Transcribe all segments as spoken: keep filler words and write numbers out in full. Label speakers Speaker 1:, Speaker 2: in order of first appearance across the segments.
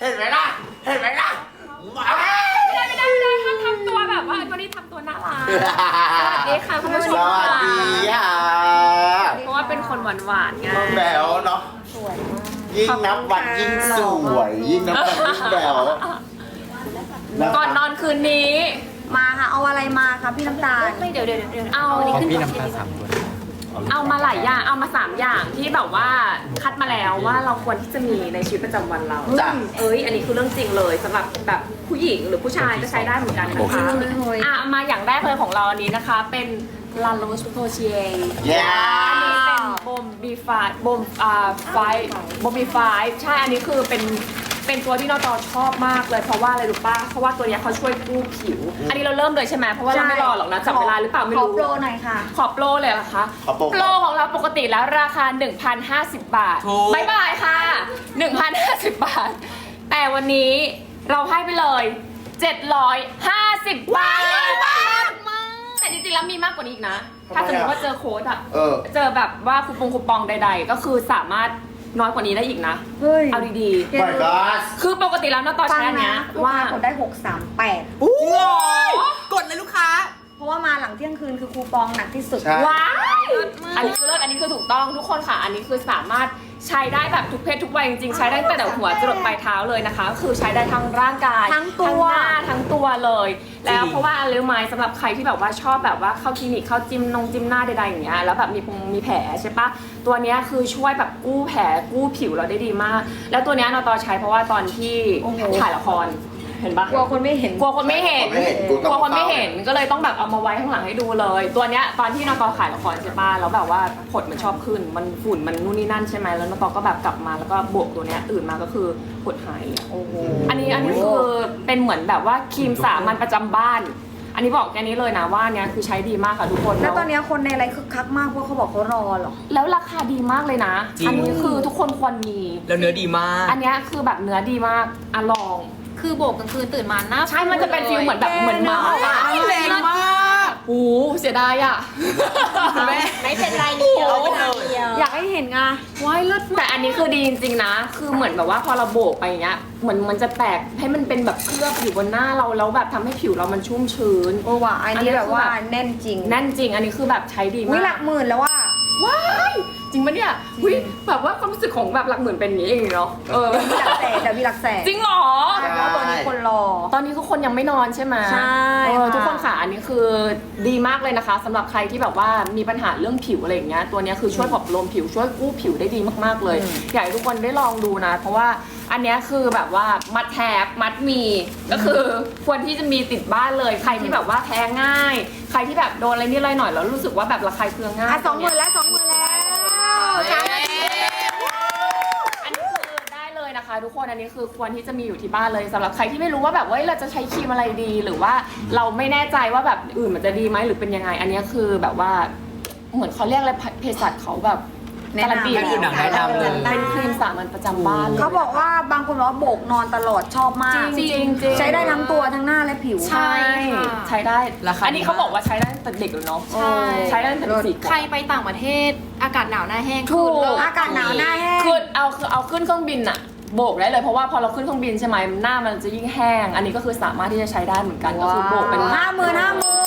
Speaker 1: เห็นไหมล่ะเห็นไหมล่ะ
Speaker 2: ไม่ได้ไม่ได้ไม่ได้ทำทำตัวแบบว่าวันนี้ทำตัวน่ารักสวัสดีค่ะคุณผู้ช
Speaker 1: ส
Speaker 2: ม
Speaker 1: วัสดีค่ะ
Speaker 2: เพราะว่าเป็นคนหวานหวานๆไง
Speaker 1: แบวเนาะ
Speaker 3: สวยมาก
Speaker 1: ยิ่งนับวันยิ่งสวยยิ่งนับวันยิ่งแบว
Speaker 2: ก่อนนอนคืนนี้
Speaker 3: มาค่ะเอาอะไรมาคะพี่น้ำตาล
Speaker 2: ไม่เดี๋ยวเดี๋ยวเดี๋ยวเอา
Speaker 4: ของพี่น้ำตาลสามตัว
Speaker 2: เอามาหลายอย่างเอามาสามอย่างที่แบบว่าคัดมาแล้วว่าเราควรที่จะมีในชีวิตประจำวันเรา
Speaker 1: จ้ะ
Speaker 2: เอ้ยอันนี้คือเรื่องจริงเลยสำหรับแบบผู้หญิงหรือผู้ชายก็ใช้ได้เหมือนกันนะคะอ่ะมาอย่างแรกเลยของเราอันนี้นะคะเป็น La Roche Posay
Speaker 1: แย่
Speaker 2: อันนี้เป็นบอมบีไฟบอมอ่าไฟบอมบีไฟใช่อันนี้คือเป็นเป็นตัวที่นอตอชอบมากเลยเพราะว่าอะไรรู้ป่ะเพราะว่าตัวเนี้ยเขาช่วยกู้ผิว อันนี้เราเริ่มเลยใช่ไหมเพราะว่าเราไม่รอหรอกนะจับเวลาหรือเปล่าไม่
Speaker 3: ขอ
Speaker 2: รู้
Speaker 3: โปรหน่อยค่ะ
Speaker 2: ขอโปรเลยเหรอคะ
Speaker 1: ขอโปร
Speaker 2: โปรของเราปกติแล้วราคา หนึ่งพันห้าสิบ บาท
Speaker 4: ถูก
Speaker 2: บายบายค่ะ หนึ่งพันห้าสิบ บาท แต่วันนี้เราให้ไปเลย เจ็ดร้อยห้าสิบ บาทแต่จริงๆแล้วมีมากกว่านี้อีกนะ ถ้าสมมติว่าเจอโค้ดอะ
Speaker 1: เออ
Speaker 2: เจอแบบว่าคูปองคูปองใด ๆ ก็คือสามารถน้อยกว่านี้ได้อีกนะ
Speaker 3: เฮ้ย
Speaker 2: เอาดี
Speaker 1: my god
Speaker 2: ๆ คือปกติแล้วนะตอน
Speaker 3: ฟัง
Speaker 2: ใช้อันเนี้
Speaker 3: นะ
Speaker 2: ย
Speaker 3: ลูก
Speaker 2: ว่า
Speaker 3: ค้ากดได้หกสามแปด
Speaker 4: กดเลยลูกค้า
Speaker 3: เพราะว่ามาหลังเที่ยงคืนคือคูปองหนักที่สุด
Speaker 1: ใช่
Speaker 2: ว้ายอันนี้คือเลิศอันนี้คือถูกต้องทุกคนค่ะ อันนี้คือสามารถใช้ได้แบบทุกเพศทุกวัยจริงๆ ใช้ได้ตั้งแต่หัวจรดปลายเท้าเลยนะคะก็คือใช้ได้ทั้งร่างกาย
Speaker 3: ทั้งตัว
Speaker 2: หน้าทั้งตัวเลย แล้ว
Speaker 4: จริง
Speaker 2: เพราะว่าอะไรรู้ไหมสำหรับใครที่แบบว่าชอบแบบว่าเข้าคลินิกเข้าจิมนงจิมหน้าใดๆอย่างเงี้ยแล้วแบบมีพงมีแผลใช่ปะตัวเนี้ยคือช่วยแบบกู้แผลกู้ผิวเราได้ดีมาก แล้วตัวเนี้ยนอตอใช้เพราะว่าตอนที่
Speaker 3: โอ้โห
Speaker 2: ถ่ายละครเห็นปะ
Speaker 3: กลัวคนไม่เห็น
Speaker 2: กลัวคนไม่เห็น
Speaker 1: ไม่เห็นกู
Speaker 2: ก
Speaker 1: ต้
Speaker 2: ลั
Speaker 1: อ
Speaker 2: ว
Speaker 1: ง
Speaker 2: คนไม่เห็นก็เลยต้องแบบเอามาไว้ข้างหลังให้ดูเลย ตัวเนี้ยตอนที่นตอขายละครใช่ป่ะแล้วแบบว่าผดมันชอบขึ้น มันฝุ่นมันนู่นนี่นั่นใช่ไหมแล้วนตอก็แบบกลับมาแล้วก็บวกตัวเนี้ยตื่นมาก็คือผดหายเลย
Speaker 3: โอ้โห
Speaker 2: อันนี้อันนี้คือเป็นเหมือนแบบว่าครีมสามัญประจำบ้าน อันนี้บอกแค่นี้เลยนะว่าเนี้ยคือใช้ดีมากค่ะทุกคน
Speaker 3: แล้วตอนเนี้ยคนในไลฟ์คึกคักมากเพราะเขาบอกเขารอเหรอ
Speaker 2: แล้วราคาดีมากเลยนะ
Speaker 4: จริง
Speaker 2: อันี้คือทุกคนควรมี
Speaker 4: แล้วเนื้อดีมาก
Speaker 2: อันเนี้ยคือแบบเนื้อดีมากอ่ะลอง
Speaker 5: คือโบกกลางคืนตื่นมาหน้า
Speaker 2: ใช่มันจะเป็นฟิลเหมือนแบบเหมือนเมาส์อะ
Speaker 4: แรงมาก
Speaker 2: โอ้เสียดายอ่ะ
Speaker 4: แม่
Speaker 5: ไม่เป็นไรเดียว
Speaker 4: เอาไปเลย
Speaker 3: อยากให้เห็นไง
Speaker 2: ว้ายเลิศแต่อันนี้คือดีจริงๆนะ คือเหมือนแบบว่าพอเราโบกไปอย่างเงี้ย เหมือนมันจะแตกให้มันเป็นแบบเคลือบอยู่บนหน้าเราแล้วแบบทำให้ผิวเรามันชุ่มชื้น
Speaker 3: โอ้ว่ะอัน
Speaker 2: อันนี้
Speaker 3: นี้แบบว่า
Speaker 2: คือแบบ
Speaker 3: แน่นจริง
Speaker 2: แน่นจริง อันนี้คือแบบใช้ดี
Speaker 3: วิ
Speaker 2: มา
Speaker 3: หลั
Speaker 2: ก
Speaker 3: กหมื่นแล้วว่า
Speaker 2: ว้ายจริงปะเนี่ยวิแบบว่าความรู้สึกของแบบหลักหมื่นเป็นอย่างนี้เองเนาะ เออ
Speaker 3: มีหลักแสนแต่มีหลักแสน
Speaker 2: จริงเหรอ
Speaker 3: ใช่เพราะตัวนี้คนรอ
Speaker 2: ตอนนี้คือคนยังไม่นอนใช่ไหม
Speaker 3: ใช่
Speaker 2: เออ
Speaker 3: ค่ะ
Speaker 2: ทุกคนค่ะอันนี้คือดีมากเลยนะคะสำหรับใครที่แบบว่ามีปัญหาเรื่องผิวอะไรอย่างเงี้ยตัวเนี้ยคือช่วยปลอบประโลมผิวช่วยกู้ผิวได้ดีมากๆเลย อยากให้ทุกคนได้ลองดูนะ เพราะว่าอันเนี้ยคือแบบว่ามัดแทบมัดมีก็คือควรที่จะมีติดบ้านเลยใครที่แบบว่าแพ้ง่าย ใครที่แบบโดนอะไรนิดอะไรหน่อยแล้วรู้สึกว่าแบบระคายเคืองง่าย
Speaker 3: อ่ะสองหมื่นแล้วสองหมื่นแล้วสามนาที
Speaker 2: อันนี้คือได้เลยนะคะ ทุกคนอันนี้คือควรที่จะมีอยู่ที่บ้านเลยสำหรับใครที่ไม่รู้ว่าแบบว่าเอ้ยเราจะใช้ครีมอะไรดี หรือว่าเราไม่แน่ใจว่าแบบอื่นมันจะดีไหมหรือเป็นยังไง อันนี้คือแบบว่าเหมือนเขาเรียกอะไรเภสัชเขาแบบการันตี
Speaker 4: ให้ดูหนังแนะนำเลย
Speaker 2: เป็นครีมสามัญประจำบ้านเลย
Speaker 3: เขาบอกว่าบางคนบอกว่าโบกนอนตลอดชอบมาก
Speaker 2: จริงจริงจริง
Speaker 3: ใช้ได้ทั้งตัวทั้งหน้าและผิว
Speaker 2: ใช่ใช้ได้
Speaker 4: ราคาดีมาก
Speaker 2: อันนี้เขาบอกว่าใช้ได้ตั้งแต่เด็กเลยเนาะ
Speaker 3: ใช่
Speaker 2: ใช้ได้ตั้งแต่สี่ขวบ
Speaker 5: ใครไปต่างประเทศอากาศหนาวหน้าแห้ง
Speaker 2: ถูก
Speaker 5: คือเลิศ
Speaker 3: อากาศหนาวหน้าแห้ง
Speaker 2: คือเอาคือเอาขึ้นเครื่องบินอะโบกได้เลยเพราะว่าพอเราขึ้นเครื่องบินใช่ไหมหน้ามันจะยิ่งแห้ง อันนี้ก็คือสามารถที่จะใช้ได้เหมือนกันก็คือโบกเป็น
Speaker 3: ห้าหมื่นห้าหมื่น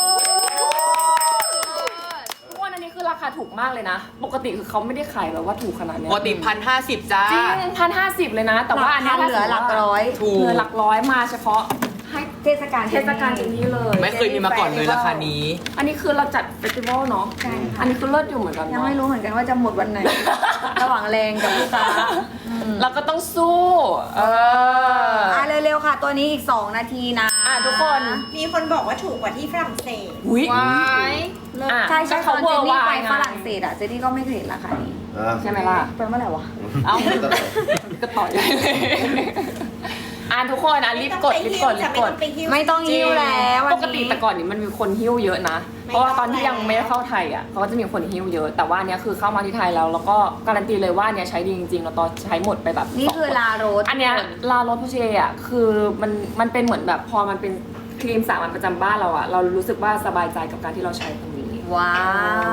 Speaker 2: ทุกวันอันนี้คือราคาถูกมากเลยนะ ปกติคือเขาไม่ได้ขายแบบว่าถูกขนาดเนี้ย
Speaker 4: ปกติพันห้าสิบจ้า
Speaker 2: จริงพันห้าสิบเลยนะ แต่ว่าอันนี้
Speaker 3: เหลือหลักร้อย
Speaker 4: ถูก
Speaker 2: เหลือหลักร้อยมาเฉพาะให้
Speaker 3: เทศกาล
Speaker 2: เทศกาลอย่างนี้เลย
Speaker 4: ไม่เคยมีมาก่อนเลยราคานี้
Speaker 2: อันนี้คือเราจัดเฟสติวัลเนาะ
Speaker 3: ใช่ค่ะ
Speaker 2: อันนี้คือเลิศอยู่เหมือนกัน
Speaker 3: ยัง
Speaker 2: เนาะ
Speaker 3: ไม่รู้เหมือนกันว่าจะหมดวันไหน ระหว่างแรงกับลูกค้า
Speaker 2: เราก็ต้องสู้ เออ
Speaker 3: อ่ะเร็วๆค่ะ ตัวนี้อีก สอง นาทีนะ
Speaker 2: อ่ะทุกคน
Speaker 6: มีคนบอกว่าถูกกว่าที่ฝรั่งเศส
Speaker 2: อุ้ย
Speaker 5: ไว้
Speaker 2: อ่ะ
Speaker 3: ใช่ใช่ต
Speaker 2: เขา
Speaker 3: อน
Speaker 2: เว
Speaker 3: เจ
Speaker 2: อน ร์
Speaker 3: นี่
Speaker 2: วา
Speaker 3: ไป
Speaker 2: ยไง
Speaker 3: ฝรั่งเศสอ่ะเจนนี่ก็ไม่เคยเห็นราคานี้
Speaker 2: ใช่ไหมล่ะ
Speaker 3: ไปเมื่อไหร่วะ
Speaker 2: เอ้าก็ต่อยเลยอ่ะทุกคนอ่ะรีบกดรีบกดรีบกด
Speaker 3: ไม่ต้องหิ้วแล้ววัน
Speaker 2: ป
Speaker 3: นี้
Speaker 2: กติแต่ก่อนนี่มันมีคนหิ้วเยอะนะ
Speaker 6: ไม่
Speaker 2: เพราะว่าตอนที่
Speaker 6: ต้อง
Speaker 2: ยังไม่ได้เข้าไทยอ่ะเขาก็จะมีคนหิ้วเยอะ แต่ว่าอันเนี้ยคือเข้ามาที่ไทยแล้วแล้วก็การันตีเลยว่าอันเนี้ยใช้ดีจริงๆเราตอนใช้หมดไปแบบ
Speaker 3: นี่
Speaker 2: สง
Speaker 3: คือ
Speaker 2: ขวด
Speaker 3: ลาโรส
Speaker 2: อันเนี้ยลาโรสโพเชอ่ะคือมันมันเป็นเหมือนแบบพอมันเป็นครีมสามัญประจำบ้านเราอ่ะเรารู้สึกว่าสบายใจกับการที่เราใช้ตรงนี้
Speaker 3: ว้าว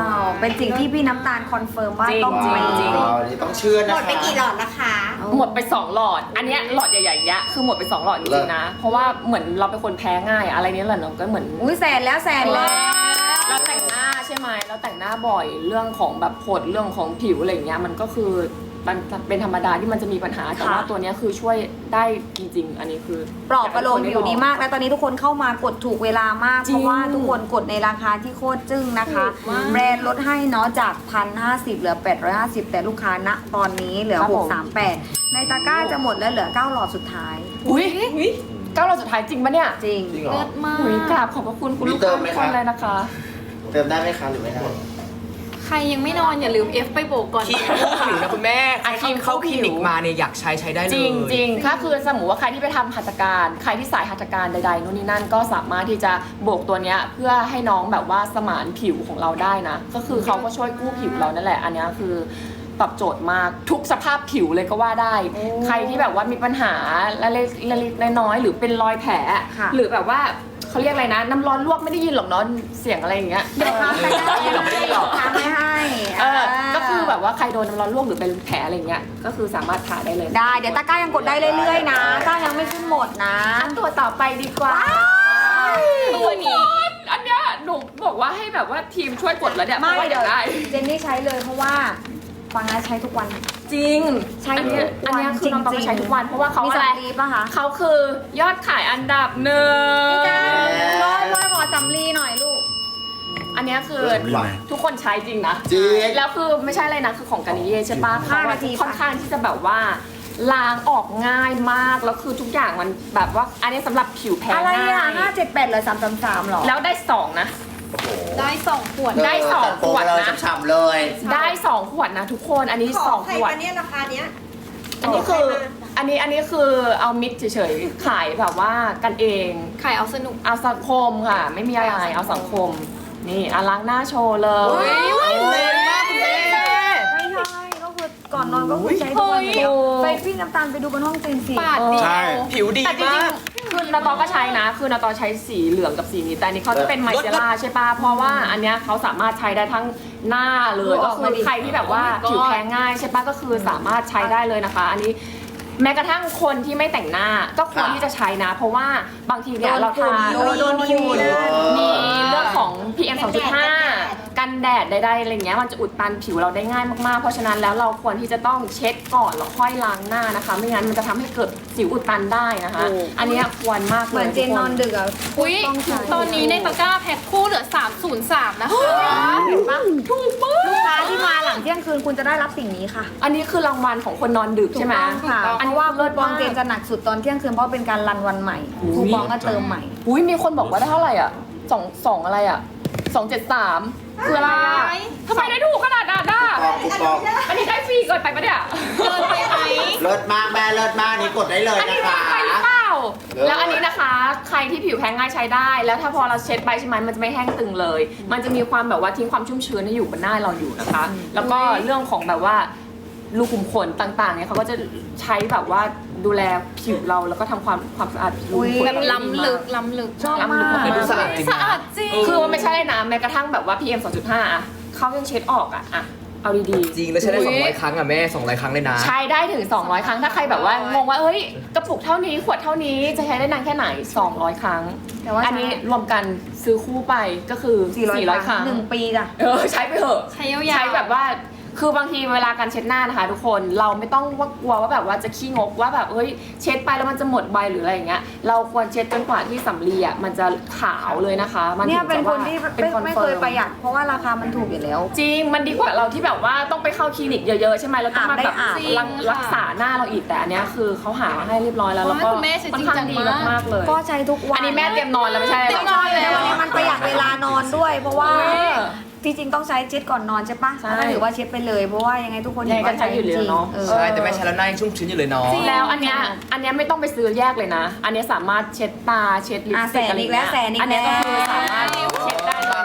Speaker 3: เป็นสิ่งที่พี่น้ำตาลคอนเฟิร์มว่า
Speaker 2: จริง
Speaker 3: ต้อง
Speaker 2: จริง
Speaker 3: มี
Speaker 2: จริง
Speaker 1: ว้าวอันนี้ต้องเชื่อ
Speaker 6: ห
Speaker 1: นะ
Speaker 6: ม
Speaker 1: คะ
Speaker 6: ดไปกี่หลอดละคะ
Speaker 2: หมดไปสองหลอด อันเนี้ยหลอดใหญ่ๆเนี้ยคือหมดไปสองหลอดจริงๆนะ เพราะว่าเหมือนเราเป็นคนแพ้ง่ายอะไรเนี้ยแหละเนาะก็เหมือน
Speaker 3: อุ้ยแสนแล้วแสนแล้ว
Speaker 2: เราแต่งหน้าใช่ไหมเราแต่งหน้าบ่อยเรื่องของแบบผดเรื่องของผิวอะไรอย่างเงี้ยมันก็คือมันเป็นธรรมดาที่มันจะมีปัญหาแต่ว่า
Speaker 3: ค่ะ
Speaker 2: ตัวเนี้ยคือช่วยได้จริง ๆ อันนี้คือ
Speaker 3: ปลอบประโลมผิวดีมาก และตอนนี้ทุกคนเข้ามากดถูกเวลามาก
Speaker 2: จริ
Speaker 3: เพ
Speaker 2: ง
Speaker 3: ราะว่าทุกคนกดในราคาที่โคตรจึ้งนะคะ
Speaker 2: ถูกมาก
Speaker 3: แบรนด์ลดให้เนาะจากพันห้าสิบเหลือแปดร้อยห้าสิบแต่ลูกค้าณตอนนี้เหลือ
Speaker 2: ครับ
Speaker 3: ห
Speaker 2: ผ
Speaker 3: ก
Speaker 2: ม
Speaker 3: สามแปดในตะกร้าจะหมดแล้วเหลือเก้าหลอดสุดท้าย
Speaker 2: อุ้ยเก้าหลอดสุดท้ายจริงปะเนี่ย
Speaker 3: จริง
Speaker 1: จริงเหรอ
Speaker 5: เลิศมาก
Speaker 2: อุ้ยกราบขอบพระคุณคุณ
Speaker 1: มี
Speaker 2: ลูก
Speaker 1: เติ
Speaker 2: ค้าม
Speaker 1: ไหม
Speaker 2: ทุก
Speaker 1: คะ
Speaker 2: คนเลยนะคะ
Speaker 1: เติมได้ไหมคะหรือไม่ได้
Speaker 5: ใครยังไม่นอนอย่าลืม F ไปโบกก่อน
Speaker 4: ครีมคู่ผิวนะคุณแม่
Speaker 2: อ่ะครีม
Speaker 4: เข้า
Speaker 2: คู่
Speaker 4: ค
Speaker 2: ผิว
Speaker 4: ลินิกมาเนี่ยอยากใช้ใช้ได้เลย
Speaker 2: จริงจริงๆถ้าคือสมมติว่าใครที่ไปทำหัตถการ ใครที่สายหัตถการใดๆนู่นนี่นั่นก็สามารถที่จะโบกตัวเนี้ยเพื่อให้น้องแบบว่าสมานผิวของเราได้นะ ก็คือเขาก็ช่วยกู้ผิวเรานั่นแหละ อันเนี้ยคือตอบโจทย์มากทุกสภาพผิวเลยก็ว่าได้ ใครที่แบบว่ามีปัญหาเล็กๆน้อยๆหรือเป็นรอยแผล
Speaker 3: ค่ะ
Speaker 2: หรือแบบว่าเขาเรียกอะไรนะ น้ำร้อนลวกไม่ได้ยินหรอกเนาะเสียงอะไรอย่างเงี้ย
Speaker 3: เดี๋ยวค้างไปได้
Speaker 2: ไม่ได้ยินหรอกไม่ได้ยินหรอก
Speaker 3: ค้างไม่ให้
Speaker 2: เออก็คือแบบว่าใครโดนน้ำร้อนลวกหรือเป็นแผลอะไรเงี้ยก็คือสามารถทาได้เลย
Speaker 3: ได้ เดี๋ยวตะกร้ายังกดได้เรื่อยๆนะตะกร้ายังไม่ขึ้นหมดนะ
Speaker 2: ตัวต่อไปดีกว่าตัวนี้ อันเนี้ยหนูบอกว่าให้แบบว่าทีมช่วยกดแล้วเนี่ย
Speaker 3: ไม่
Speaker 2: พราะว่า
Speaker 3: เดี๋ยว
Speaker 2: ได้
Speaker 3: เจนนี่ใช้เลยเพราะว่าฟังนะใช้ทุกวัน
Speaker 2: จริง
Speaker 3: ใช้
Speaker 2: อันเนี้ย
Speaker 3: ทุกวัน
Speaker 2: อันเนี้ยคือน้องต้อง
Speaker 3: จริงๆ
Speaker 2: ใช้ทุกวันเพราะว่าเขา
Speaker 3: มี
Speaker 2: อะไร
Speaker 3: สำลีป่ะคะ
Speaker 2: เขาคือยอดขายอันดับหนึ่ง
Speaker 3: ร้อยร้อยขอสำลีหน่อยลูก
Speaker 2: อันเนี้ยคือ
Speaker 1: หวาน
Speaker 2: ทุกคนใช้จริงนะ
Speaker 1: จริง
Speaker 2: แล้วคือไม่ใช่อะไรนะคือของกานิเย่ใช่ปะเขา
Speaker 3: ห้า
Speaker 2: อะ
Speaker 3: นาที
Speaker 2: ค่อนข้างที่จะแบบว่าล้างออกง่ายมากแล้วคือทุกอย่างมันแบบว่าอันนี้สำหรับผิวแพ้
Speaker 3: อะไร
Speaker 2: ง่า
Speaker 3: อ่ะ
Speaker 2: ย
Speaker 3: ห้าเจ็ดแปดเลยสามสามสามหรอ
Speaker 2: แล้วได้สองนะ
Speaker 1: โอ้โห
Speaker 5: ได้สองขวด
Speaker 2: ได้สอง
Speaker 1: ตัโปร
Speaker 2: ขวด
Speaker 1: เลย
Speaker 2: นะ
Speaker 1: ฉ่ำๆเลย
Speaker 2: ได้สองขวดนะทุกคนอันนี้
Speaker 6: ข
Speaker 2: ส
Speaker 6: อ
Speaker 2: อง
Speaker 6: ใคร
Speaker 2: ขวด
Speaker 6: มาเนี่ยราคาเนี้ย
Speaker 2: อันนี้คืออันนี้อันนี้คือเอามิดเฉยๆขายแบบว่ากันเอง
Speaker 5: ขายเอาสนุก
Speaker 2: เอาสังคมค่ะ ไม่มีอะไรเอาสังคม นี่อ่ะล้างหน้าโชว์เลย
Speaker 4: เฮ้ยแรงมากคุณแม่
Speaker 3: ไม่ใช่ก็คือก่อนนอนก็คือใช้ทุกวันอยู่แล้วไปพี่น้ำตาลไปดูบนห้องเจนสิ
Speaker 5: ปาดเดียว
Speaker 1: ใช่
Speaker 4: ผิวดี
Speaker 2: แต่จริ
Speaker 4: มาง ก
Speaker 2: ๆคือนาตอก็ใช้นะ คือนาตอใช้สีเหลืองกับสีนี้แต่อันนี้เขาจะเป็นไมเจล่าใช่ปะเพราะว่าอันเนี้ยเขาสามารถใช้ได้ทั้งหน้าเลยก็คือใครที่แบบว่า
Speaker 5: Oh my god
Speaker 2: ผิวแพ้ง่ายใช่ปะก็คือสามารถใช้ได้เลยนะคะ อันนี้แม้กระทั่งคนที่ไม่แต่งหน้าก็ควรที่จะใช้นะ เพราะว่าบางทีเนี่ยเราทา
Speaker 3: โดนโดนฝุ่น
Speaker 2: มีเรื่องของ พี เอ็ม สองจุดห้า กันแดดใดๆอะไรเงี้ยมันจะอุดตันผิวเราได้ง่ายมากๆ เพราะฉะนั้นแล้วเราควรที่จะต้องเช็ดก่อนแล้วค่อยล้างหน้านะคะ ไม่งั้นมันจะทำให้เกิดสิวอุดตันได้นะคะ อันเนี้ยควรมากเลย
Speaker 3: เหมือนเจนนอนดึกอ่ะ
Speaker 5: อุ้ย
Speaker 3: ต้องใช้
Speaker 5: ตอนนี้ในตะกร้าแพ็คคู่เหลือสามศูนย์สามนะคะ
Speaker 2: เห็นปะถูกมาก
Speaker 3: ลูกค้าที่มาหลังเที่ยงคืนคุณจะได้รับสิ่งนี้ค่ะ
Speaker 2: อันนี้คือรางวัลของคนนอนดึกใช่ไหม
Speaker 3: ถูกต้องค่ะ
Speaker 2: อัน
Speaker 3: เพ
Speaker 2: นี้
Speaker 3: ราะว่า
Speaker 2: เลิ
Speaker 3: คู
Speaker 2: ศ
Speaker 3: ปอง
Speaker 2: มาก
Speaker 3: เจนจะหนักสุดตอนเที่ยงคืนเพราะเป็นการรันวันใหม่คูปองก็เติมใหม่
Speaker 2: อุ้ยมีคนบอกว่าได้เท่าไหร่อ่ะสองสองอะไรอ่ะสองเจ็ดสามคืออะไรอ่ะทำไมได้ถูกขนาดนั้นอ่ะ
Speaker 1: ปองคูปอง
Speaker 2: อันนี้ได้ฟรีเกินไปปะเนี่ย
Speaker 5: เกินไปไหม
Speaker 1: เลิศมากแม่เลิศมากนี่กดได้เลย
Speaker 2: อัน
Speaker 1: นะ
Speaker 2: นี้
Speaker 1: คะ
Speaker 2: ได้ไปหรือเปล่า
Speaker 1: เลิศ
Speaker 2: แล้วอันนี้นะคะ ใครที่ผิวแพ้ง่ายใช้ได้ แล้วถ้าพอเราเช็ดไปใช่ไหมมันจะไม่แห้งตึงเลย มันจะมีความแบบว่าทิ้งความชุ่มชื้นให้อยู่บนหน้าเราอยู่นะคะ แล้วก็เรื่องของแบบว่ารูขุมขนต่างๆเนี่ยเขาก็จะใช้แบบว่าดูแลผิวเราแล้วก็ทำความความสะอาดรูขุมขน
Speaker 5: แบบล้ำลึกล้ำลึก
Speaker 3: ชอบมาก
Speaker 2: ล้ำลึก
Speaker 4: ดูสะอาดจริง
Speaker 5: สะ
Speaker 4: นะ
Speaker 5: อาดจริง
Speaker 2: คือมันไม่ใช่เลยนะแม้กระทั่งแบบว่า พี เอ็ม สองจุดห้า อะเขายังเช็ดออกอะอะเอาดีๆ
Speaker 4: จริงแล้วใช้ได้สองร้อยครั้งอ่ะแม่สองร้อยครั้งเลยนะ
Speaker 2: ใช้ได้ถึง สองร้อย ครั้ง ถ้าใครแบบว่างงว่าเอ้ย กระปุกเท่านี้ ขวดเท่านี้ จะใช้ได้นานแค่ไหน สองร้อย ครั้ง
Speaker 3: แต่ว่า
Speaker 2: อันนี้รวมกันซื้อคู่ไปก็คือ
Speaker 3: สี่ร้อย
Speaker 2: สี่ร้อย ครั้ง
Speaker 3: หนึ่งปีจ้ะ
Speaker 2: เออ ใช้ไปเถอะ
Speaker 5: ใช้ยาวๆ
Speaker 2: ใช้แบบว่า คือบางทีเวลาการเช็ดหน้านะคะทุกคน เราไม่ต้องว่ากลัวว่าแบบว่าจะขี้งกว่าแบบเฮ้ย เช็ดไปแล้วมันจะหมดใบหรืออะไรอย่างเงี้ย เราควรเช็ดจนกว่าที่สำลีอ่ะมันจะขาวเลยนะคะ มัน
Speaker 3: เนี่ย
Speaker 2: ถึง
Speaker 3: เป็น
Speaker 2: จะ
Speaker 3: ค
Speaker 2: ว่าน
Speaker 3: ที่
Speaker 2: เป็น
Speaker 3: ไม่
Speaker 2: คอน
Speaker 3: ไม่
Speaker 2: เฟิ
Speaker 3: เคย
Speaker 2: ร์ม
Speaker 3: ประหยัดเพราะว่าราคามันถูกอยู่แล้ว
Speaker 2: จริง มันดีกว่าเราที่แบบว่าต้องไปเข้าคลินิกเยอะๆใช่ไหมแล้วต้องมาแบบ
Speaker 3: อาบได้อาบ
Speaker 2: รักรักษาหน้าเราอีกแต่อันเนี้ยคือเขาหามาให้เรียบร้อยแล้วแล้วก็
Speaker 5: โอ้ยคุณแม่ใช้
Speaker 2: ค่อน
Speaker 5: จริง
Speaker 2: ข้าง
Speaker 5: จัง
Speaker 2: ดี
Speaker 5: มาก
Speaker 2: มากๆเลย
Speaker 3: ก็ใช้ทุกวัน
Speaker 2: อันนี้แม่เตรียมนอนแล้วไม่ใช่
Speaker 5: เตรียมนอนแล้ว
Speaker 3: วันนี้มันประหยัดเวลานอนด้วย เพราะว่า
Speaker 2: เออ
Speaker 3: จริงๆต้องใช้เช็ดก่อนนอนใช่ปะ
Speaker 2: ใช่
Speaker 3: ก็ถือว่าเช็ดไปเลยเพราะว่ายังไงทุกคน
Speaker 2: ยังไงก็ใช้อยู่แล้วเนอะ
Speaker 3: ออ
Speaker 4: ใช่แต่แม่ใช้แล้วหน้ายังชุ่มชื้นอยู่เลยเนาะ
Speaker 2: แล้วอันเนี้ยอันเนี้ยไม่ต้องไปซื้อแยกเลยนะ อันเนี้ยสามารถเช็ดตาเช็ดลิป
Speaker 3: อ่ะ
Speaker 2: สติกอะไร
Speaker 3: แสนอีกแล้ว
Speaker 2: เงี้ย
Speaker 3: แสนอีก
Speaker 2: อันเนี้ยก็คือ
Speaker 3: แล้ว
Speaker 2: สามารถเช็ดได้เลยนะคะทุกค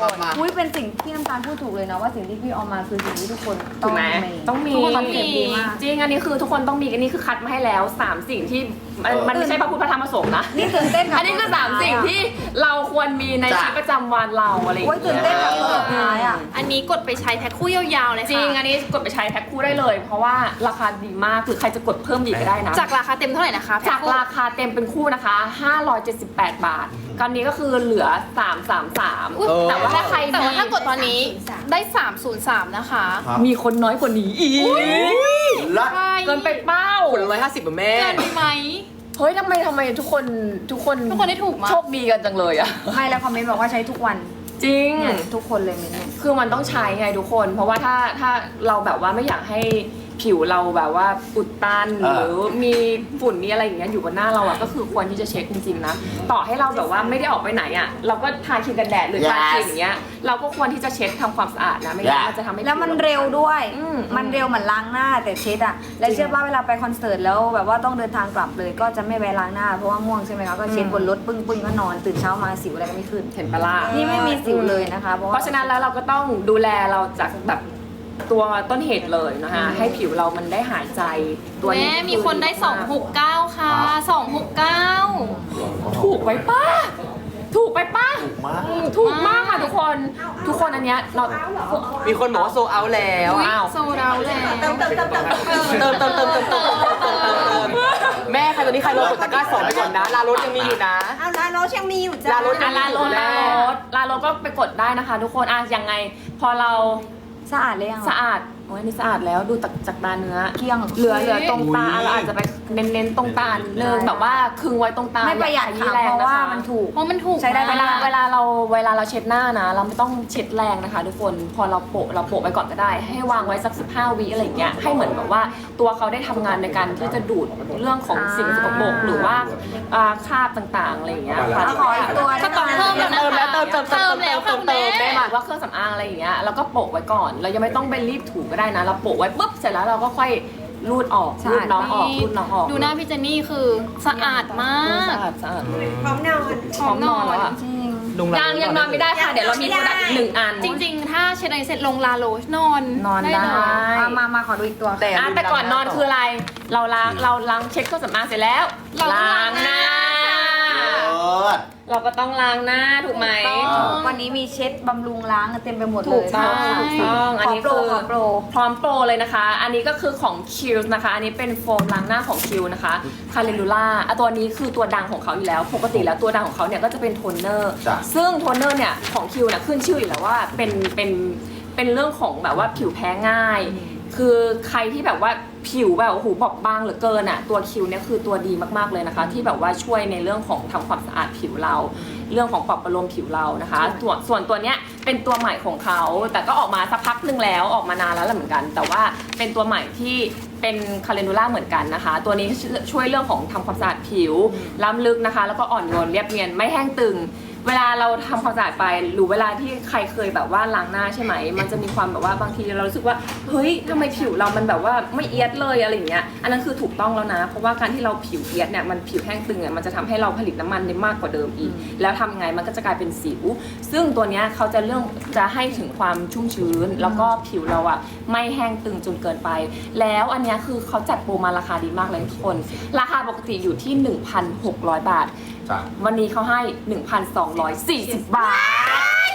Speaker 4: ครับมา
Speaker 3: อุ้ยเป็นสิ่งที่น้ำตาลพูดถูกเลยนะว่าสิ่งที่พี่เอามาคือสิ่งที่ทุกคนต้
Speaker 2: ถู
Speaker 3: อก ง
Speaker 2: ไหม
Speaker 3: มี
Speaker 2: ต้องมี
Speaker 3: ทุกคนคอนเซ็ปต์ดีมาก
Speaker 2: จริงอันนี้คือทุกคนต้องมีอันนี้คือคัดมาให้แล้วสามสิ่งที่มันมันไม่ใช่พระพุทธพระธรรมพระสงฆ์นะ
Speaker 3: นี่ตื่นเต้นกับ
Speaker 2: อันนี้คือสามสิ่งที่เราควรมีในชีวิตประจำวันเราอะไรอย่าง
Speaker 3: โอ้ย
Speaker 2: เงี้ย
Speaker 3: ตื่นเต้นกับตัวสุดท้ายอ่ะ
Speaker 5: อันนี้กดไปใช้แพ็คคู่ยาวๆเลยค่ะ
Speaker 2: จริงอันนี้กดไปใช้แพ็คคู่ได้เลย เพราะว่าราคาดีมากคือใครจะกดเพิ่มอีกก็ได้นะ
Speaker 5: จากราคาเต็มเท่าไหร่นะคะแพ็
Speaker 2: จาก
Speaker 5: คู่
Speaker 2: ราคาเต็มเป็นคู่นะคะห้าร้อยเจ็ดสิบแปดบาทตอนนี้ก็คือเหลือสามร้อยสามสิบสาม
Speaker 5: อุ๊ย
Speaker 2: แต่ว่าถ้าใคร
Speaker 5: แต่ว่า
Speaker 2: มี
Speaker 5: ถ้ากดตอนนี้ได้ สามศูนย์สาม นะคะ
Speaker 1: ครับ
Speaker 2: มีคนน้อยกว่านี้อีก
Speaker 1: ลัด
Speaker 5: ใช่
Speaker 2: เกินไปเป้า
Speaker 4: คนละร้อยห้าสิบแม่
Speaker 5: เกินไปไหม
Speaker 2: เฮ้ยทำไมทำไมทุกคนทุกคน
Speaker 5: ทุกคนได้ถูกมั้ย
Speaker 2: โชคดีกันจังเลยอะ
Speaker 3: ไม่แล้วคอมเมนต์บอกว่าใช้ทุกวัน
Speaker 2: จริง
Speaker 3: เนี่ยทุกคนเลยเมนเนี่ย
Speaker 2: คือมันต้องใช้ไงทุกคน เพราะว่าถ้าถ้าเราแบบว่าไม่อยากให้ผิวเราแบบว่าอุดตันห
Speaker 1: อ่า
Speaker 2: รือมีฝุ่นมีอะไรอย่างเงี้ยอยู่บนหน้าเราอะก็คือควรที่จะเช็คจริงๆนะต่อให้เราแบบว่าไม่ได้ออกไปไหนอะเราก็ทาครีมกันแดดหรือทาครีมอย่างเงี้ยเราก็ควรที่จะเช็ดทำความสะอาดนะไม่งั้นมันจะทำให้
Speaker 3: แล้วมัน
Speaker 2: ผิ
Speaker 3: เร็วด้วย
Speaker 2: อืม
Speaker 3: มันเร็วเหมือนล้างหน้าแต่เช็ดอะแล้วเชื่อว่าเวลาไปคอนเสิร์ตแล้วแบบว่าต้องเดินทางกลับเลย ก็จะไม่แวะล้างหน้าเพราะว่าม่วงใช่ไหมคะก็เช็ดบนรถปึ้งปึ้งๆก็นอนตื่นเช้ามาสิวอะไรก็ไม่ขึ้น
Speaker 2: เห็นปะล่ะ
Speaker 3: นี่ไม่มีสิวเลยนะคะเพราะ
Speaker 2: เพ
Speaker 3: ว่า
Speaker 2: ราะฉะนั้นแล้วเราก็ต้องดูแลเราจากแบบตัวต้นเหตุเลยนะคะให้ผิวเรามันได้หายใจตัวนี้
Speaker 5: แม่มีคนได้ สองหกเก้า ค่ะ สองหกเก้า
Speaker 2: ถูกไปป้าถูกไปป้า
Speaker 1: ถูกมาก
Speaker 2: อืมถูกมากค่ะทุกคนทุกคนอันเนี้ยเรา
Speaker 4: มีคนบอกว่าโซเอาแล้ว
Speaker 2: อ้าว
Speaker 5: โซดาวแล้ว
Speaker 6: เติมเติมเติมเติม
Speaker 4: เติมเติมเติมเติมเติมเติมเติมเติมเติมเติมแม่ใครตอนนี้ใครรอกดตะกร้าสองไปก่อนนะลารถยังมีอยู่นะ
Speaker 6: เอาลาโนชยังมีอยู่จ้า
Speaker 4: ลาโนช
Speaker 2: อ่ะลาโลลาโลลาโลก็ไปกดได้นะคะ ทุกคนอ่ะยังไง พอเรา
Speaker 3: สะอาดเลยยัง
Speaker 2: สะอาดโอ้ยนี่สะอาดแล้วดูจากจากตาเนื้อ
Speaker 3: เกลี้ยง
Speaker 2: เหลือเหลือตรงตา
Speaker 1: อุ๊ย
Speaker 2: เราอาจจะไปเน้นๆตรงตาเนึงแบบว่าคึงไว้ตรงตา
Speaker 3: ไม่ประหยัด
Speaker 2: อย่าขยี้
Speaker 3: ค่ะ
Speaker 2: แรง
Speaker 3: เพราะ
Speaker 2: นะ
Speaker 3: ว่า
Speaker 2: คะ
Speaker 3: มันถูก
Speaker 5: เพราะมันถูก
Speaker 3: ใช้ได้
Speaker 2: เวลาม
Speaker 5: ก
Speaker 2: เวลาเราเวลาเราเช็ดหน้านะ เราไม่ต้องเช็ดแรงนะคะ ทุกคนพอเราโปะเราโปะไปก่อนก็ได้ ให้วางไว้สักสิบห้าวิอะไรอย่างเงี้ยให้เหมือนแบบว่าตัวเขาได้ทำงานในการที่จะดูดเรื่องของสิ่งสกปรกหรือว่าอ่าคราบต่างๆอะไรอย่างเงี้ยค่ะ
Speaker 3: ขออีกตัว
Speaker 5: ก็ต้องเพิ่มแล้วนะ
Speaker 4: เติมแล้วเติมเติมเติม
Speaker 5: เติมแล้ว
Speaker 4: เติมเติม
Speaker 5: ค่ะ
Speaker 2: ได้
Speaker 5: แม่
Speaker 2: หมายว่าเครื่องสำอางอะไรอย่างเงี้ยแล้วก็โปะไว้ก่อน เรายังไม่ต้องไปรีบถูก็ได้นะ เราโปะไว้ปุ๊บเสร็จแล้วเราก็ค่อยรูดออกรูดน้องออกรูดน้องออก
Speaker 5: ดูหน้าพี่เจนนี่คือสะอาดมา
Speaker 2: เออสะ
Speaker 5: ก
Speaker 2: อาดสะอาด
Speaker 6: พร้อมนอน
Speaker 2: พร้อมนอนแล้วอะ
Speaker 3: จริง
Speaker 4: ลุง
Speaker 2: ยังยังนอนไม่ได้ค่ะ เดี๋ยวเรามีโปรดักต์อีกหนึ่งอัน
Speaker 5: จริงๆ ถ้าเช็ดอะไรเสร็จลงลาโลชนอน
Speaker 2: นอนได้
Speaker 5: เลย
Speaker 3: เอามามาขอดูอีกตัว
Speaker 4: แต่
Speaker 2: อ่ะแต่ก่อนนอนคืออะไร เราล้างเราล้างเช็ดเครื่องสำอางเสร็จแล้ว
Speaker 5: เราต้องล้างหน้า
Speaker 1: เลิศ
Speaker 2: เราก็ต้องล้างหน้าถูกไหม
Speaker 3: วันนี้มีเช็ดบำรุงล้างเต็มไปหมดเลย
Speaker 2: ถูกต้อง
Speaker 3: ใช่
Speaker 2: ถูกต้องอัน
Speaker 3: ขอ
Speaker 2: นี้
Speaker 3: โปร
Speaker 2: คือ
Speaker 3: ขอโปร
Speaker 2: พร้อมโปรเลยนะคะ อันนี้ก็คือของ Q นะคะ อันนี้เป็นโฟมล้างหน้าของ Q นะคะคาเรลูล่าอ่ะตัวนี้คือตัวดังของเขาอยู่แล้ว ปกติแล้วตัวดังของเขาเนี่ยก็จะเป็นโทนเนอร์
Speaker 1: จ้ะ
Speaker 2: ซึ่งโทนเนอร์เนี่ยของ Q เนี่ยขึ้นชื่ออยู่แล้วว่าเป็นเป็นเป็นเรื่องของแบบว่าผิวแพ้ง่าย คือใครที่แบบว่าผิวแบบโอ้โหบอบบางเหลือเกินอ่ะตัวคิวเนี่ยคือตัวดีมากๆเลยนะคะ ที่แบบว่าช่วยในเรื่องของทำความสะอาดผิวเรา เรื่องของปรับประโลมผิวเรานะคะส่วนส่วนตัวเนี้ยเป็นตัวใหม่ของเขาแต่ก็ออกมาสักพักหนึ่งแล้วออกมานานแล้วแหละเหมือนกัน แต่ว่าเป็นตัวใหม่ที่เป็นคาเลนูล่าเหมือนกันนะคะ ตัวนี้ช่วยเรื่องของทำความสะอาดผิวล้ำลึกนะคะ แล้วก็อ่อนโยนเรียบเนียนไม่แห้งตึง เวลาเราทำความสะอาดไปหรือเวลาที่ใครเคยแบบว่าล้างหน้าใช่ไหมมันจะมีความแบบว่าบางทีเรารู้สึกว่าเฮ้ยทำไมผิวเรามันแบบว่าไม่เอียดเลยอะไรอย่างเงี้ยอันนั้นคือถูกต้องแล้วนะ เพราะว่าการที่เราผิวเอียดเนี่ยมันผิวแห้งตึงเนี่ยมันจะทำให้เราผลิตน้ำมันได้มากกว่าเดิมอีก แล้วทำไงมันก็จะกลายเป็นสิว ซึ่งตัวเนี้ยเขาจะเรื่องจะให้ถึงความชุ่มชื้น แล้วก็ผิวเราอะไม่แห้งตึงจนเกินไป แล้วอันเนี้ยคือเขาจัดโปรมาราคาดีมากเลยทุกคน ราคาปกติอยู่ที่ หนึ่งพันหกร้อย บาท
Speaker 1: จ้ะ
Speaker 2: วันนี้เขาให้ หนึ่งพันสองร้อยสี่สิบ บาท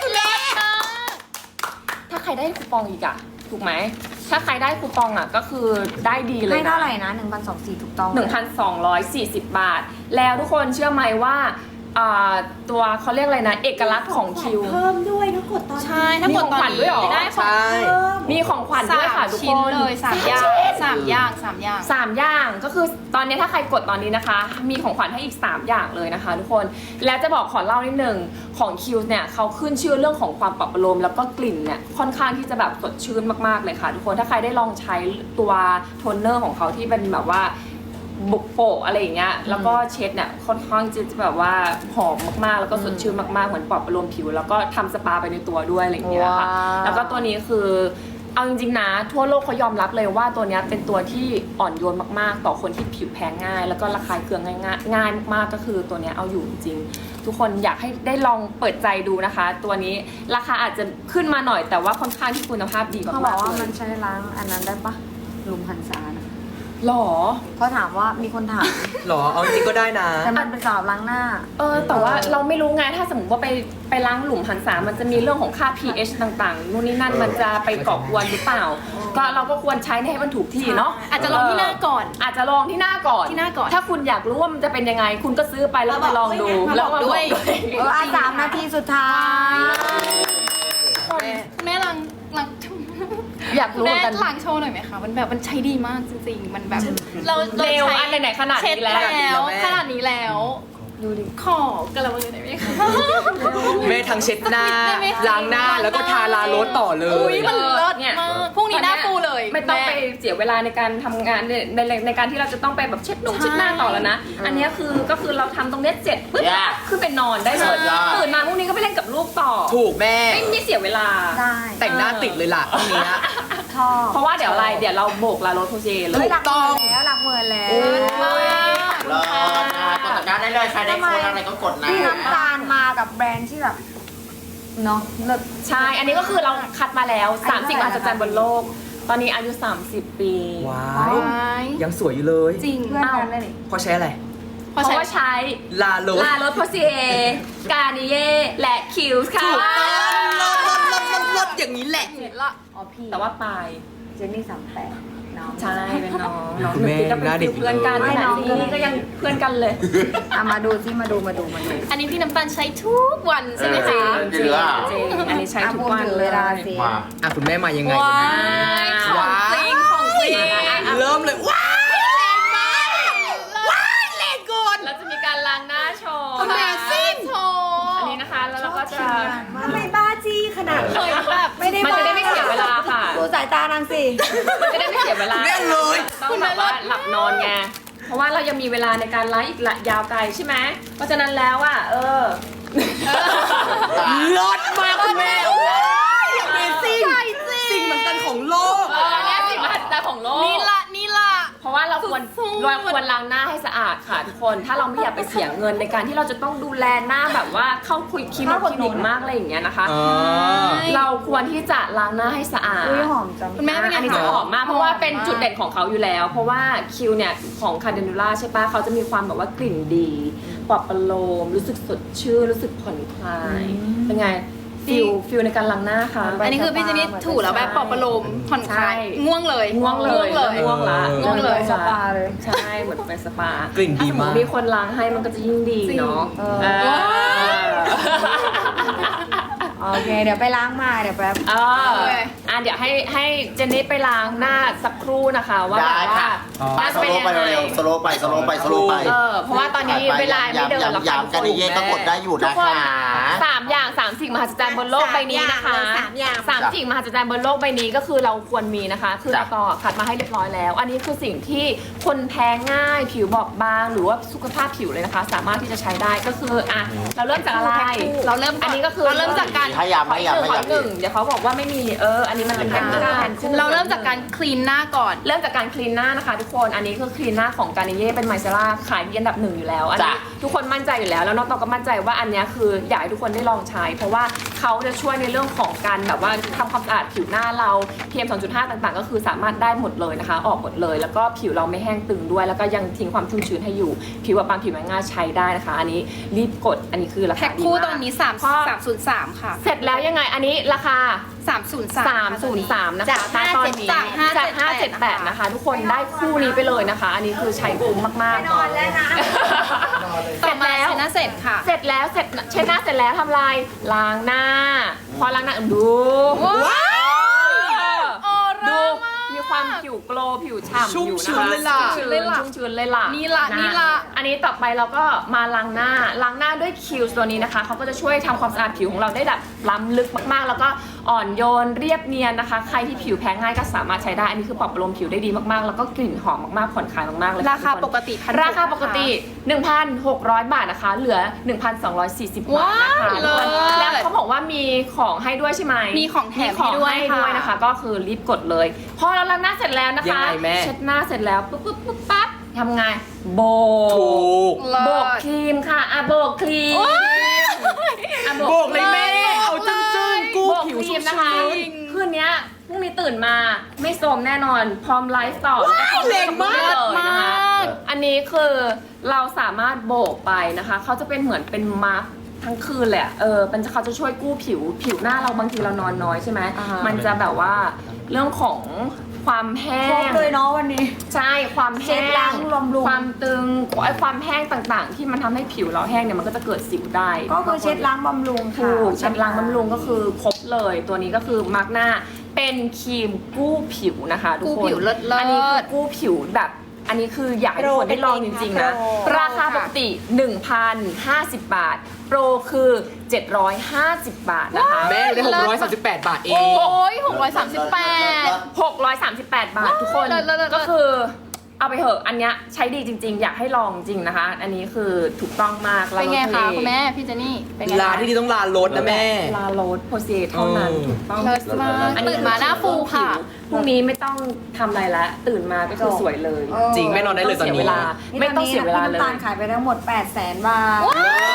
Speaker 2: ถ้าใครได้คูปองอีกอะถูกไหม ถ้าใครได้คูปองอะก็คือได้ดีเลย
Speaker 3: ให้
Speaker 2: นะ
Speaker 3: เท่าไหร่นะหนึ่งพันสองสี่ถูกต้อง
Speaker 2: หนึ่งพันสองร้อยสี่สิบ บาท แล้วทุกคนเชื่อไหมว่าอ่าตัวเขาเรียกอะไรนะ เอกลักษณ์ของคิว
Speaker 6: เพิ่มด้วยถ้ากดตอนนี้
Speaker 5: ใช่ ถ้ากดตอน
Speaker 2: มีของขวัญด้วยเหรอ
Speaker 5: นี้ได้ของ
Speaker 4: ใช่
Speaker 6: เพิ่ม
Speaker 2: มีของขวัญด้วยค่ะ
Speaker 5: สาม
Speaker 2: ทุก
Speaker 5: ชิ้
Speaker 2: คน น
Speaker 5: เลยสามอย่างสามอย่างสามอย่าง
Speaker 2: สามอย่างก็คือตอนนี้ถ้าใครกดตอนนี้นะคะ มีของขวัญให้อีก สาม อย่างเลยนะคะ ทุกคนแล้วจะบอกขอเล่านิดนึงของคิวเนี่ยเขาขึ้นชื่อเรื่องของความปรับประโลมแล้วก็กลิ่นเนี่ยค่อนข้างที่จะแบบสดชื่นมากๆเลยค่ะ ทุกคนถ้าใครได้ลองใช้ตัวโทนเนอร์ของเขาที่เป็นแบบว่าบุกโปะอะไรอย่างเงี้ยแล้วก็เช็ดเนี่ยค่อนข้างจะแบบว่าหอมมากๆ แล้วก็สดชื่นมากๆเหมือนปรับประโลมผิว แล้วก็ทำสปาไปในตัวด้วยอะไรอย่างเงี้ยค่ะ
Speaker 3: ว้าว
Speaker 2: แล้วก็ตัวนี้คือเอาจริงๆนะทั่วโลกเขายอมรับเลยว่าตัวเนี้ยเป็นตัวที่อ่อนโยนมากๆ ต่อคนที่ผิวแพ้ง่าย แล้วก็ระคายเคืองง่ายๆง่ายมากๆก็คือตัวเนี้ยเอาอยู่จริงๆทุกคนอยากให้ได้ลองเปิดใจดูนะคะ ตัวนี้ราคาอาจจะขึ้นมาหน่อยแต่ว่าค่อนข้างที่คุณภาพดีมากๆ
Speaker 3: เขาบอกว่า
Speaker 2: เล
Speaker 3: มัน
Speaker 2: ย
Speaker 3: ใช้ล้างอันนั้นได้ปะหลุมหันษานะ
Speaker 2: หรอ
Speaker 3: เขาถามว่ามีคนถาม
Speaker 4: หรอเอาจริงก็ได้นะ
Speaker 3: แต่มันเป็นสำหรับล้างหน้า
Speaker 2: เออแต่ว่าเราไม่รู้ไงถ้าสมมติว่าไปไปล้างหลุมหันษามันจะมีเรื่องของค่า pH ต่างๆนู่นนี่นั่นมันจะไปก่อกวนหรือเปล่า ก็เราก็ควรใช้ให้มันถูกที่เนาะ
Speaker 5: อาจจะลองที่หน้าก่อน
Speaker 2: อาจจะลองที่หน้าก่อน
Speaker 5: ที่หน้าก่อน
Speaker 2: ถ้าคุณอยากรู้ว่ามันจะเป็นยังไง คุณก็ซื้อไปแล้วไปลองดู
Speaker 5: มา
Speaker 2: แล้ว
Speaker 5: บอก
Speaker 2: มา
Speaker 5: ด้วย
Speaker 3: เอออ่ะสามนาทีสุดท้าย
Speaker 5: แม่ลังลัง
Speaker 2: อยากรู้เหมื
Speaker 5: แม่
Speaker 2: อนกัน
Speaker 5: หลังโชว์หน่อยไหมคะ มันแบบมันใช้ดีมากจริงๆ มันแบบเรา
Speaker 2: เร็ว
Speaker 5: ใช้
Speaker 2: อันไหนๆขนาด
Speaker 5: เช็ด
Speaker 2: นี้แล้ว
Speaker 5: แล้วขนาดนี้แล้ว
Speaker 3: ดูดิ
Speaker 5: ขอกระมังหน่อยไหมคะ
Speaker 4: แม่ทั้งเช็ดหน้า
Speaker 5: ได้ไหมคะ
Speaker 4: ล้างหน้าแล้วก็ทาลาโรสต่อเล
Speaker 5: อุ้
Speaker 4: ย
Speaker 5: ยมันเลิศ
Speaker 2: เนี่ย
Speaker 5: มากพรุ่งนี้หน้าฟูเลย
Speaker 2: ไม่ต้องไป
Speaker 5: แ
Speaker 2: เสียเวลาในการทำงานในในในการที่เราจะต้องไปแบบเช็ดหนง
Speaker 5: ใช่
Speaker 2: เช็ดหน้าต่อแล้วนะ อันเนี้ยคือก็คือเราทำตรงเนี้ยเสร็จปุ๊บ
Speaker 1: Yeah
Speaker 2: ขึ้นไปนอนได้เลย
Speaker 1: สุดยอด
Speaker 2: ตื่นมาพรุ่งนี้ก็ไปเล่นกับลูกต่อ
Speaker 4: ถูกแม่
Speaker 2: ไม่ไม่เสียเวลา
Speaker 3: ได้
Speaker 4: แต่งหน้าติดเลยล่ะตรงเนี้ย
Speaker 3: ชอบ
Speaker 2: เพราะว่าเดี๋ยวอะไรเดี๋ยวเราโบกลาโรสโพเซเล
Speaker 3: เฮ้ย
Speaker 2: ย
Speaker 3: หลักหมื่นแล้วหลักหมื่นแล้ว
Speaker 2: มาก
Speaker 1: รอนะกดตะกร้าได้เลยใครได้โค้ดอะไรก็กดนะ
Speaker 3: พี่น้ำตาลมากับแบรนด์ที่แบบเนาะเลิศ
Speaker 2: ใช่ อันนี้ก็คือเราคัดมาแล้ว
Speaker 3: อายุ
Speaker 2: สามสิบ
Speaker 3: เท่าไหร่
Speaker 2: มหัศจรรย์บนโลก ตอนนี้อายุ สามสิบ ปี
Speaker 4: ว้า
Speaker 3: ว้าว
Speaker 4: ยยังสวยอยู่เลย
Speaker 5: จริง
Speaker 3: เพื่อนกันเลยนี่
Speaker 4: เพราะใช้อะไร
Speaker 2: เพราะว่าใช้
Speaker 4: ลาโรส
Speaker 2: ลาโรสโพเซกาเนเย่และคิวส์ค่ะ
Speaker 4: ถูกต้องลดลดลดลดลดอย่างนี้แหละ
Speaker 5: เห็นละ
Speaker 3: อ๋อพี่
Speaker 2: แต่ว่าปลาย
Speaker 3: เจนนี่สามแปดน้อง
Speaker 2: ใช่เป็นน้องน้อง
Speaker 4: คุณแม่
Speaker 2: หนึ่งปีก็เป็น
Speaker 4: หน้าเด็ก
Speaker 2: เพื่อนกัน
Speaker 3: ไม่
Speaker 2: ข
Speaker 3: น้
Speaker 2: นา
Speaker 3: อ
Speaker 2: ด
Speaker 3: ง
Speaker 2: นี้ก็ยังเพื่อนกันเลย
Speaker 3: อ่ะมาดูที่มาดูมาดูมาดู
Speaker 5: อันนี้พี่น้ำตาลใช้ทุกวันใช่ไหม
Speaker 2: จริ
Speaker 5: คะ
Speaker 2: ง
Speaker 1: จริงหรือเปล่า
Speaker 2: จริงอันนี้ใช้
Speaker 3: อ่ะ
Speaker 2: ทุก
Speaker 3: พูด
Speaker 2: วัน
Speaker 3: ถึง
Speaker 2: เล
Speaker 3: เวย ลาสิ
Speaker 1: มา
Speaker 4: อ่ะคุณแม่มายังไง
Speaker 5: ว้า
Speaker 4: วันนี้
Speaker 5: ยของจริงของจริง
Speaker 4: เริ่มเลยว้ายแรงมากว้ายแรงเกิน
Speaker 2: เราจะมีการล้างหน้าโชว์
Speaker 5: Amazing โชว์
Speaker 2: อันนี้นะคะแล้วเราก็จะ
Speaker 6: ทำไมบ้าจี้ขนาด
Speaker 5: เค
Speaker 6: นั้น
Speaker 5: ยแบบ
Speaker 3: ไม่ได้
Speaker 2: มันจะได้ไม่เสียเวลาค่ะ
Speaker 3: ดูสายตานางสิ
Speaker 2: มันจะได้ไม่เสียเวลา
Speaker 4: เรียกเลย
Speaker 2: ต้องแบบว่าหลับนอนไง เพราะว่าเรายังมีเวลาในการไลฟ์อีกละยาวไกลใช่ไหม เพราะฉะนั้นแล้วอ่ะ เออ
Speaker 4: ลดมากคุณแม่อย่างนี้สิ่งสิ่งเหมือนกันของโลก
Speaker 2: เออเนี่ยสิ่งมหัศจรรย์ของโลก
Speaker 5: นี่ละนี่ละ
Speaker 2: เพราะว่าเราควร
Speaker 5: สุดๆ
Speaker 2: เราควรล้างหน้าให้สะอาดค่ะทุกคน ถ้าเราไม่อยากไปเสียเงินในการที่เราจะต้องดูแลหน้าแบบว่าเข้าคุยคลินิกคลินิกมากอะไรอย่างเงี้ยนะคะ
Speaker 4: อ๋อ
Speaker 2: เราควรที่จะล้างหน้าให้สะอาด
Speaker 3: อุ้ยหอมจัง
Speaker 5: คุณแม่เป็นไง
Speaker 2: อันนี้
Speaker 5: คะ
Speaker 2: จะหอมมากเพราะว่าเป็น
Speaker 5: หอมมาก
Speaker 2: จุดเด่นของเขาอยู่แล้ว เพราะว่าคิวเนี่ยของคาเดนูล่าใช่ปะเขาจะมีความแบบว่ากลิ่นดีปลอบประโลมรู้สึกสดชื่นรู้สึกผ่อนคลายเป็นไงฟิลฟิลในการล้างหน้าค่ะ
Speaker 5: อันนี้คือพี่เจนี่ถูแล้วแบบปลอบประโลมผ่อนคลาย
Speaker 2: ใช่
Speaker 5: ง่วงเลย
Speaker 2: ง่วงเลย
Speaker 5: ง่วงเลย
Speaker 2: ง่วงละ
Speaker 5: ง่วงเลย
Speaker 3: สปาเลย
Speaker 2: ใช่เหมือนไปสปาก
Speaker 4: ลิ่นดีมาก
Speaker 2: ถ้สติมีคนล้างให้มันก็จะยิ่งดีเนาะ
Speaker 3: เออ
Speaker 2: เออ
Speaker 3: โอเค เดี๋ยวไปล้างมาเดี๋ยวแป๊บ
Speaker 2: เอออ่ะเดี๋ยวให้ให้เจนนี่ไปล้างหน้าสักครู่นะคะว่า
Speaker 1: ได้
Speaker 2: แบบว่า
Speaker 1: ค่ะ
Speaker 2: น่า
Speaker 1: ส
Speaker 2: จะเป็น
Speaker 1: โล
Speaker 2: ยั
Speaker 1: ว์
Speaker 2: ง
Speaker 1: ไป
Speaker 2: ไง
Speaker 1: เร็วๆสโลว์ไปสโลว์ไปสโลว์ไป
Speaker 2: เออเพราะว่าตอนนี้เวลาไม่เดินแล้วค่ะ
Speaker 1: ย้ำๆกันดีเย่ก็กดได้อยู่
Speaker 2: ทุ
Speaker 1: นะ
Speaker 2: กคน
Speaker 1: คะ
Speaker 2: สามอย่างสามสิ่งมหัศจรรย์บนโลกใบนี้นะคะ
Speaker 6: สามอย่าง
Speaker 2: สามสิ่งมหัศจรรย์บนโลกใบนี้ก็คือเราควรมีนะคะ คือ
Speaker 1: จ้ะ
Speaker 2: เราต่อคัดมาให้เรียบร้อยแล้ว อันนี้คือสิ่งที่คนแพ้ง่ายผิวบอบบางหรือว่าสุขภาพผิวเลยนะคะ สามารถที่จะใช้ได้ก็คืออ่ะเราเริ่มจากอะไร
Speaker 5: เราเริ่ม
Speaker 2: อันนี้ก็คือ
Speaker 5: เราเริ่มจากการ
Speaker 1: ให้ย้ำให้ย้ำให้
Speaker 2: ขอ
Speaker 1: ย้ำ
Speaker 2: หนึ่งเดี๋ยวเขาบอกว่าไม่มีเอออันนี้มันเป็นแผ่นคู่แผ่นคู่
Speaker 5: เราเริ่มจากการคลีนหน้าก่อน
Speaker 2: เริ่มจากการคลีนหน้านะคะทุกคนอันนี้คือคลีนหน้าของการนิเย่เป็นไมเซล่าขายดีอันดับหนึ่งอยู่แล้วอันนี้
Speaker 1: จ้ะ
Speaker 2: ทุกคนมั่นใจอยู่แล้วแล้วน้องตองก็มั่นใจว่าอันเนี้ยคืออยากให้ทุกคนได้ลองใช้ เพราะว่าเขาจะช่วยในเรื่องของการแบบว่าทำความสะอาดผิวหน้าเรา พี เอ็ม สองจุดห้า ต่างๆ ก็คือสามารถได้หมดเลยนะคะ ออกหมดเลย แล้วก็ผิวเราไม่แห้งตึงด้วย แล้วก็ยังทิ้งความชุ่มชื้นให้อยู่ ผิวบางผิวมันง่ายใช้ได้นะคะ อันนี้รีบกดอันนี้คือรา
Speaker 5: แพ็
Speaker 2: คา
Speaker 5: ค
Speaker 2: ดี
Speaker 5: คู่
Speaker 2: มาก
Speaker 5: ตอนนี้สาม
Speaker 2: ข้อ
Speaker 5: สามศูนย์สามค่ะ
Speaker 2: เสร็จแล้วยังไงอันนี้ราคา
Speaker 5: สามศูนย์สาม
Speaker 2: สามศูนย์สามนะคะ
Speaker 5: จาก
Speaker 2: ณตอนนี้
Speaker 5: จากห้า
Speaker 2: จาก
Speaker 5: เจ็ด
Speaker 2: ห้าเจ็ดแปด
Speaker 5: แปด
Speaker 2: นะคะ ทุกคนได้คู่นี้ไปเลยนะคะ อันนี้คือใช้คุ้มมากๆ
Speaker 6: นอนแล้วนะ
Speaker 2: เส
Speaker 5: ต่
Speaker 2: ร็
Speaker 5: อ
Speaker 2: จ
Speaker 5: มา
Speaker 2: แล้ว
Speaker 5: เซน่าเสร็จค่ะ
Speaker 2: เสร็จแล้วเสร็จเช็ดหน้าเสร็จแล้วทำลายล้างหน้า พอล้างหน้าดู
Speaker 5: ว้าว
Speaker 2: เออ
Speaker 5: ออร่า
Speaker 2: ดู
Speaker 5: มาก
Speaker 2: มีความผิวโกลว์ผิวฉ่ำ
Speaker 4: ชุ่ม
Speaker 2: อยู่
Speaker 4: ชื้
Speaker 2: นะ
Speaker 4: น
Speaker 2: คะ
Speaker 4: เลยล่ะ
Speaker 2: ชุ่มชื้นชุ่มชื้นเลยล่ะ
Speaker 5: นี่ล่ะ
Speaker 2: นะ
Speaker 5: นี่ล่ะ
Speaker 2: อันนี้ต่อไปเราก็มาล้างหน้าล้างหน้าด้วยคิวตัวนี้นะคะเขาก็จะช่วยทำความสะอาดผิวของเราได้แบบล้ำลึกมากๆ แล้วก็อ่อนโยนเรียบเนียนนะคะ ใครที่ผิวแพ้ง่ายก็สามารถใช้ได้อันนี้คือปรับประโลมผิวได้ดีมากๆ แล้วก็กลิ่นหอมมากๆผ่อนคลายมากๆเลยะ
Speaker 5: ราคา
Speaker 2: ทุน
Speaker 5: ปกติพัน
Speaker 2: ราคาปกติ หนึ่งพันหกร้อย บาทนะคะ เหลือ หนึ่งพันสองร้อยสี่สิบ บาทนะคะ
Speaker 5: ว้าว
Speaker 2: ทุกคน
Speaker 5: เลิศ
Speaker 2: แล้วเขาบอกว่ามีของให้ด้วยใช่ไหม
Speaker 5: มีของแถม
Speaker 2: ของ
Speaker 5: ให้ด้วย
Speaker 2: ให้ด้วย
Speaker 5: ค่ะ
Speaker 2: นะคะ ก็คือรีบกดเลย พอเราล้างหน้าเสร็จแล้วนะ
Speaker 4: ยัง
Speaker 2: คะ
Speaker 4: ไงแม่
Speaker 2: เช็ดหน้าเสร็จแล้วปุ๊บปุ๊บปุ๊บปั๊บทำไงโบ
Speaker 4: ถู
Speaker 2: ก
Speaker 4: ก
Speaker 5: เลิ
Speaker 2: โบก
Speaker 5: ศ
Speaker 2: ครีมค่ะอ่ะโบกครีมอ่ะ
Speaker 4: โบกเลยแม่ เอาจึ้งจึ้งๆกู้
Speaker 2: โบก
Speaker 4: ผิว
Speaker 2: ครี
Speaker 4: ชุ่
Speaker 2: ม
Speaker 4: ม
Speaker 2: นะคะ
Speaker 4: ชื้น
Speaker 2: คืนเนี้ยพรุ่งนี้ตื่นมาไม่โทรมแน่นอนพร้อมไลฟ์ต่อแล้วก็
Speaker 4: แรงมาก
Speaker 2: เลยนะคะ
Speaker 5: มาก
Speaker 2: อันนี้คือเราสามารถโบกไปนะคะ เขาจะเป็นเหมือนเป็นมาร์คทั้งคืนแหลยอะเออเป็นเขาจะช่วยกู้ผิว ผิวหน้าเราบางทีเรานอนน้อยใช่ไหม
Speaker 3: อ่าฮะ
Speaker 2: มันจะแบบว่าเรื่องของความแห้
Speaker 3: ครบ
Speaker 2: ง
Speaker 3: เลยเนาะวันนี้
Speaker 2: ใช่ ความ
Speaker 3: เช็
Speaker 2: แห้
Speaker 3: ดล้าง งบำรุง
Speaker 2: ความตึงไอ้ความแห้งต่างๆ ที่มันทำให้ผิวเราแห้งเนี่ยมันก็จะเกิดสิวได้
Speaker 3: ก็คือเช็ดล้างบำรุงค่ะ
Speaker 2: ถูกเช็ดล้างบำรุงก็คือครบเลย ตัวนี้ก็คือมาร์กหน้าเป็นครีมกู้ผิวนะคะทุกคน
Speaker 5: กู้ผิวเลิศๆ
Speaker 2: อันนี้คือกู้ผิวแบบอันนี้คืออยากให้ทุกคนได้ลองจริงๆนะ
Speaker 3: โปร
Speaker 2: ราคาปกติ หนึ่งพันห้าสิบ บาท โปรคือเจ็ดร้อยห้าสิบ บาทนะคะ
Speaker 4: แม่ได้หกร้อยสามสิบแปดบาทเอ
Speaker 5: โอ้
Speaker 4: ง
Speaker 5: ยหกร้อยสามสิบแปด
Speaker 2: หกร้อยสามสิบแปด บาททุกคน
Speaker 5: เลิศเลิศเลิศ
Speaker 2: ก็คือเอาไปเถอะอันเนี้ยใช้ดีจริงๆ อยากให้ลองจริงนะคะ อันนี้คือถูกต้องมาก
Speaker 5: เป็นไง
Speaker 2: ลาโร
Speaker 5: คะ
Speaker 2: ทะเล
Speaker 5: คุณแม่ พี่เจนนี่ เป็นไง
Speaker 4: ลา
Speaker 5: คะ
Speaker 4: ที่ดีต้องลาลดนะแม่
Speaker 2: ลาโรสโพเซเท่านั้น
Speaker 4: เออ
Speaker 2: ถูกต้อง
Speaker 5: เลิศมาก
Speaker 2: อันนี้
Speaker 5: ตื่นมาหน้าฟูค่ะ
Speaker 2: พรุ่งนี้ไม่ต้องทำอะไรละตื่นมาก็คือสวยเลย
Speaker 3: เออ
Speaker 4: จริงแม่นอนได้เลยตอน
Speaker 2: เสีย
Speaker 4: นี้
Speaker 2: เวลาไม่ต้องเสียเวลาเล
Speaker 3: พี่น้ำตาย ลขายไปทั้งหมดแปดแสนบาท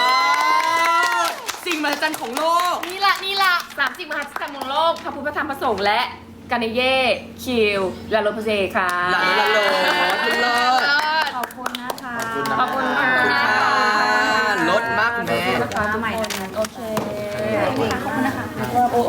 Speaker 4: สิ่งมหัศจรรย์ของโลก
Speaker 5: นี่ละนี่ละ
Speaker 2: สามสิบมหัศจรรย์ของโลกพระพุทธธรรมประสงค์และกาเนเย่คิวลาโรสโพเซค่ะ
Speaker 4: ลาโรสลาโรสเลิศ
Speaker 3: ขอบคุณนะคะ
Speaker 2: ขอบคุณค่ะ
Speaker 4: ลดมากคุณแม่
Speaker 3: นะคะใหม่ทั้งนั้น
Speaker 2: โอเค
Speaker 3: ขอบคุณนะคะ